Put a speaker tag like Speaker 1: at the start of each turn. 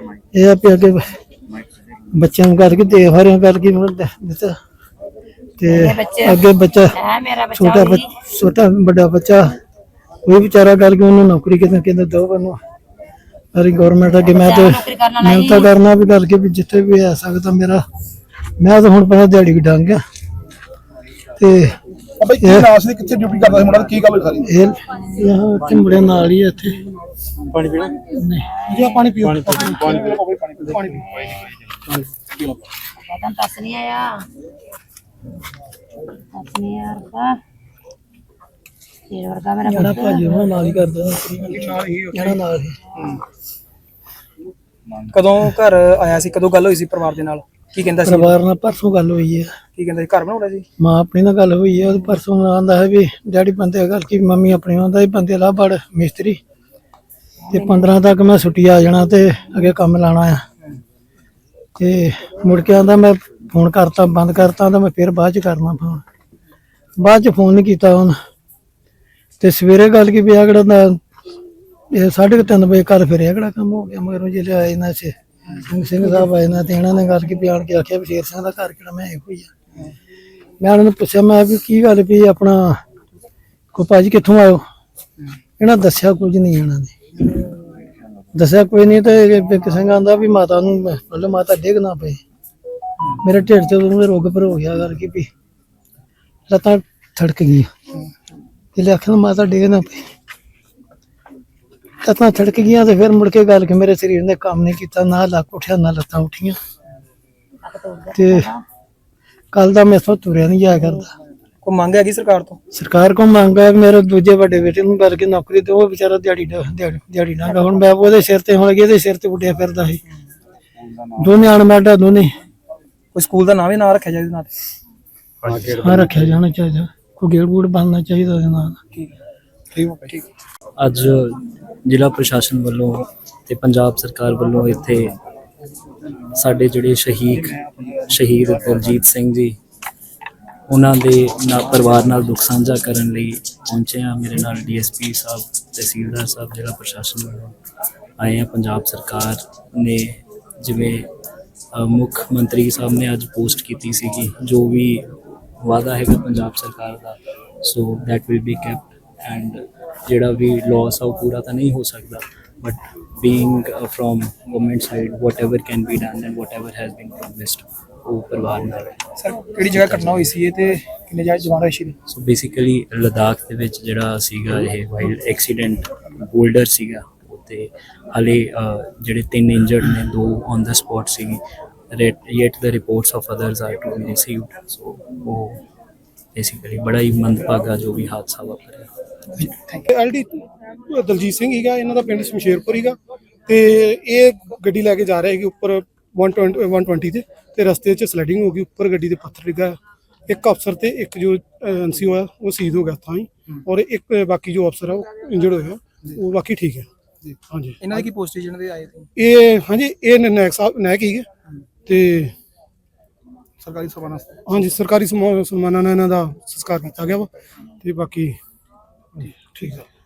Speaker 1: ਇਹ ਆਪੇ ਅੱਗੇ ਬੱਚਿਆਂ ਨੂੰ ਕਰਕੇ ਦੇ ਹਰਿਆਂ ਕਰਕੇ ਦਿੱਤਾ ਤੇ ਅੱਗੇ ਬੱਚਾ ਛੋਟਾ ਵੱਡਾ ਬੱਚਾ ਉਹ ਵਿਚਾਰਾ ਕਰਕੇ ਉਹਨੂੰ ਨੌਕਰੀ ਕਿਤੇ ਕਹਿੰਦਾ ਦੋ ਬੰਨੋ ਸਾਰੀ ਗਵਰਨਮੈਂਟ ਅੱਗੇ ਮੈਂ ਤਾਂ ਕਰਨਾ ਵੀ ਕਰਕੇ ਵੀ ਜਿੱਥੇ ਵੀ ਆ ਸਕਦਾ ਮੇਰਾ ਮੈਂ ਤਾਂ ਹੁਣ ਪਹਿਲਾਂ ਦਿਹਾੜੀ ਵੀ ਡੰਗ ਗਿਆ ਤੇ
Speaker 2: ਕਿੱਥੇ ਡਿਊਟੀ ਕਰਦਾ ਸੀ ਮੁੰਡਾ ਕੀ ਗੱਲ ਸਾਰੀ
Speaker 1: ਇਹ ਮੁੰਡੇ ਨਾਲ ਹੀ ਇੱਥੇ
Speaker 2: ਪਾਣੀ ਪੀਣਾ
Speaker 1: ਨਹੀਂ ਪਾਣੀ ਪੀਓ
Speaker 2: ਪਾਣੀ ਪੀਓ
Speaker 3: ਦੱਸ ਨਹੀਂ ਆਇਆ ਤੇਰੇ ਵਰਗਾ ਮੇਰਾ
Speaker 1: ਜਿਹੜਾ ਭਾਜੀ ਉਹਨਾਂ ਨਾਲ ਹੀ ਕਰਦਾ ਜਿਹੜਾ ਨਾਲ ਹੀ
Speaker 2: ਕਦੋਂ ਘਰ ਆਇਆ ਸੀ ਕਦੋਂ ਗੱਲ ਹੋਈ ਸੀ ਪਰਿਵਾਰ ਦੇ ਨਾਲ ਕੀ ਕਹਿੰਦਾ ਸੀ
Speaker 1: ਪਰਿਵਾਰ ਨਾਲ ਪਰਸੋਂ ਗੱਲ ਹੋਈ ਹੈ
Speaker 2: ਕੀ ਕਹਿੰਦਾ ਸੀ ਘਰ ਬਣਾਉਣਾ ਸੀ
Speaker 1: ਮਾਂ ਆਪਣੀ ਨਾਲ ਗੱਲ ਹੋਈ ਹੈ ਉਹ ਪਰਸੋਂ ਆਂਦਾ ਹੈ ਵੀ ਡੈਡੀ ਬੰਦੇ ਗੱਲ ਕੀ ਮੰਮੀ ਆਪਣੀ ਆਂਦਾ ਵੀ ਬੰਦੇ ਲਾ ਬੜ ਮਿਸਤਰੀ ਤੇ 15 ਤੱਕ ਮੈਂ ਛੁੱਟੀ ਆ ਜਾਣਾ ਤੇ ਅੱਗੇ ਕੰਮ ਲਾਣਾ ਆ ਤੇ ਮੁੜ ਕੇ ਆਂਦਾ ਮੈਂ ਫੋਨ ਕਰਤਾ ਬੰਦ ਕਰਤਾ ਤਾਂ ਮੈਂ ਫਿਰ ਬਾਅਦ ਚ ਕਰਨਾ ਫੋਨ ਬਾਅਦ ਚ ਫੋਨ ਨਹੀਂ ਕੀਤਾ ਹੁਣ ਤੇ ਸਵੇਰੇ ਗੱਲ ਕੀ ਪਿਆ ਕਿਹੜਾ ਇਹ 3:30 ਵਜੇ ਕੱਲ ਫਿਰ ਕਿਹੜਾ ਕੰਮ ਹੋ ਗਿਆ ਮਗਰੋਂ ਜਿਹੜੇ ਆਏ ਨਾ ਸਿੰਘ ਸਾਹਿਬ ਆਏ ਨਾ ਤੇ ਇਹਨਾਂ ਨੇ ਗੱਲ ਕੀ ਬਿਆਨ ਕੇ ਆਖਿਆ ਵੀ ਸ਼ੇਰ ਸਿੰਘ ਦਾ ਘਰ ਕਿਹੜਾ ਮੈਂ ਇਹੋ ਹੀ ਆ ਮੈਂ ਉਹਨਾਂ ਨੂੰ ਪੁੱਛਿਆ ਮੈਂ ਵੀ ਕੀ ਗੱਲ ਵੀ ਆਪਣਾ ਕੋ ਭਾਜੀ ਕਿੱਥੋਂ ਆਇਓ ਇਹਨਾਂ ਦੱਸਿਆ ਕੁਝ ਨਹੀਂ ਇਹਨਾਂ ਨੇ ਦੱਸਿਆ ਕੋਈ ਨਹੀਂ ਤੇ ਕਿਸੇ ਆਂਦਾ ਵੀ ਮਾਤਾ ਨੂੰ ਮਤਲਬ ਮਾਤਾ ਡਿੱਗ ਨਾ ਪਏ ਮੇਰੇ ਢਿੱਡ ਤੇ ਉਹਨੂੰ ਰੋਗ ਪਰ ਹੋ ਗਿਆ ਕਰਕੇ ਵੀ ਲੱਤਾਂ ਥੜਕ ਗਈਆਂ ਤੇ ਆਖਿਆ ਮਾਤਾ ਡਿੱਗ ਨਾ ਪਈ ਲੱਤਾਂ ਥੜਕ ਗਈਆਂ ਤੇ ਫਿਰ ਮੁੜ ਕੇ ਗੱਲ ਕਿ ਮੇਰੇ ਸਰੀਰ ਨੇ ਕੰਮ ਨਹੀਂ ਕੀਤਾ ਨਾ ਲੱਕ ਉੱਠਿਆ ਨਾ ਲੱਤਾਂ ਉੱਠੀਆਂ ਤੇ ਕੱਲ ਦਾ ਮੈਥੋਂ ਤੁਰਿਆ ਨਹੀਂ ਜਾਇਆ ਕਰਦਾ
Speaker 2: ਕੋਈ ਮੰਗ ਹੈਗੀ ਸਰਕਾਰ ਤੋਂ
Speaker 1: ਸਰਕਾਰ ਕੋਲ ਮੰਗ ਹੈ ਮੇਰੇ ਦੂਜੇ ਵੱਡੇ ਬੇਟੇ ਨੂੰ ਕਰਕੇ ਨੌਕਰੀ ਤੇ ਉਹ ਵਿਚਾਰਾ ਦਿਹਾੜੀ ਨਾ ਗਾ ਹੁਣ ਮੈਂ ਉਹਦੇ ਸਿਰ ਤੇ ਹੁਣ ਇਹਦੇ ਸਿਰ ਤੇ ਉੱਡਿਆ ਫਿਰਦਾ ਸੀ ਦੋਨੇ ਅਣਮੈਡਾ ਦੋਨੇ
Speaker 2: ਕੋਈ ਸਕੂਲ ਦਾ ਨਾਮ ਹੀ ਨਾ ਰੱਖਿਆ ਜਾਏ ਨਾਲ
Speaker 1: ਹਾਂ ਰੱਖਿਆ ਜਾਣਾ ਚਾਹੀਦਾ ਕੋਈ ਗੇੜ ਗੂੜ ਬਣਨਾ ਚਾਹੀਦਾ ਉਹਦੇ ਨਾਲ
Speaker 2: ਠੀਕ
Speaker 4: ਅੱਜ ਜ਼ਿਲ੍ਹਾ ਪ੍ਰਸ਼ਾਸਨ ਵੱਲੋਂ ਤੇ ਪੰਜਾਬ ਸਰਕਾਰ ਵੱਲੋਂ ਇੱਥੇ ਸਾਡੇ ਜਿਹੜੇ ਸ਼ਹੀਦ ਦਲਜੀਤ ਸਿੰਘ ਜੀ ਉਹਨਾਂ ਦੇ ਪਰਿਵਾਰ ਨਾਲ ਦੁੱਖ ਸਾਂਝਾ ਕਰਨ ਲਈ ਪਹੁੰਚੇ ਆ ਮੇਰੇ ਨਾਲ ਡੀਐਸਪੀ ਸਾਹਿਬ ਤਹਿਸੀਲਦਾਰ ਸਾਹਿਬ ਜ਼ਿਲ੍ਹਾ ਪ੍ਰਸ਼ਾਸਨ ਵੱਲੋਂ ਆਏ ਆ ਪੰਜਾਬ ਸਰਕਾਰ ਨੇ ਜਿਵੇਂ ਮੁੱਖ ਮੰਤਰੀ ਸਾਹਿਬ ਨੇ ਅੱਜ ਪੋਸਟ ਕੀਤੀ ਸੀਗੀ ਜੋ ਵੀ ਵਾਅਦਾ ਹੈਗਾ ਪੰਜਾਬ ਸਰਕਾਰ ਦਾ so that will be kept and ਜਿਹੜਾ ਵੀ ਲਾਸ ਆ ਉਹ ਪੂਰਾ ਤਾਂ ਨਹੀਂ ਹੋ ਸਕਦਾ but being from government side whatever can be done and whatever has been promised ਉਹ ਪਰਿਵਾਰ ਨਾਲ
Speaker 2: ਸਰ ਕਿਹੜੀ ਜਗ੍ਹਾ ਘਟਨਾ ਹੋਈ ਸੀ ਇਹ ਤੇ ਕਿੰਨੇ ਜਵਾਨ ਹੋਏ ਸੀ
Speaker 4: ਸੋ ਬੇਸਿਕਲੀ ਲਦਾਖ ਦੇ ਵਿੱਚ ਜਿਹੜਾ ਸੀਗਾ ਇਹ ਵਾਈਲਡ ਐਕਸੀਡੈਂਟ ਬੋਲਡਰ ਸੀਗਾ ਤੇ ਹਾਲੇ ਜਿਹੜੇ 3 ਇੰਜਰਡ ਨੇ 2 ਔਨ ਦਾ ਸਪੌਟ ਸੀਗੀ yet the reports of others are to be received so ਉਹ ਬੇਸਿਕਲੀ ਬੜਾ ਹੀ ਮੰਦਭਾਗਾ ਜੋ ਵੀ ਹਾਦਸਾ ਵਾਪਰਿਆ
Speaker 5: ਐਲਡੀ ਦਲਜੀਤ ਸਿੰਘ ਹੀਗਾ ਇਹਨਾਂ ਦਾ ਪਿੰਡ ਸ਼ਮਸ਼ੇਰਪੁਰ ਹੀਗਾ ਤੇ ਇਹ ਗੱਡੀ ਲੈ ਕੇ ਜਾ ਰਿਹਾ ਸੀ ਉੱਪਰ 120 ਤੇ ਰਸਤੇ 'ਚ ਸਲਾਈਡਿੰਗ ਹੋ ਗਈ ਉੱਪਰ ਗੱਡੀ ਦੇ ਪੱਥਰ ਡਿੱਗਾ ਇੱਕ ਅਫਸਰ ਤੇ ਇੱਕ ਜੋ ਐਨਸੀ ਹੋਇਆ ਉਹ ਸ਼ਹੀਦ ਹੋ ਗਿਆ ਤਾਂ ਹੀ ਔਰ ਇੱਕ ਬਾਕੀ ਜੋ ਅਫਸਰ ਆ ਉਹ ਇੰਜਰਡ ਹੋਇਆ ਉਹ ਬਾਕੀ ਠੀਕ ਹੈ ਜੀ ਹਾਂਜੀ
Speaker 2: ਇਹਨਾਂ ਦੀ ਕੀ ਪੋਸਟ ਸੀ ਜਿਹਨਾਂ ਦੇ ਆਏ ਸੀ
Speaker 5: ਇਹ ਹਾਂਜੀ ਇਹ ਨਾਇਕ ਸਾਹਿਬ ਨਾਇਕ ਹੀਗੇ ਤੇ
Speaker 2: ਸਰਕਾਰੀ ਸਨਮਾਨਾਂ
Speaker 5: ਹਾਂਜੀ ਸਰਕਾਰੀ ਸਨਮਾਨਾਂ ਨਾਲ ਇਹਨਾਂ ਦਾ ਸੰਸਕਾਰ ਕੀਤਾ ਗਿਆ ਵਾ ਤੇ ਬਾਕੀ ਠੀਕ ਹੈ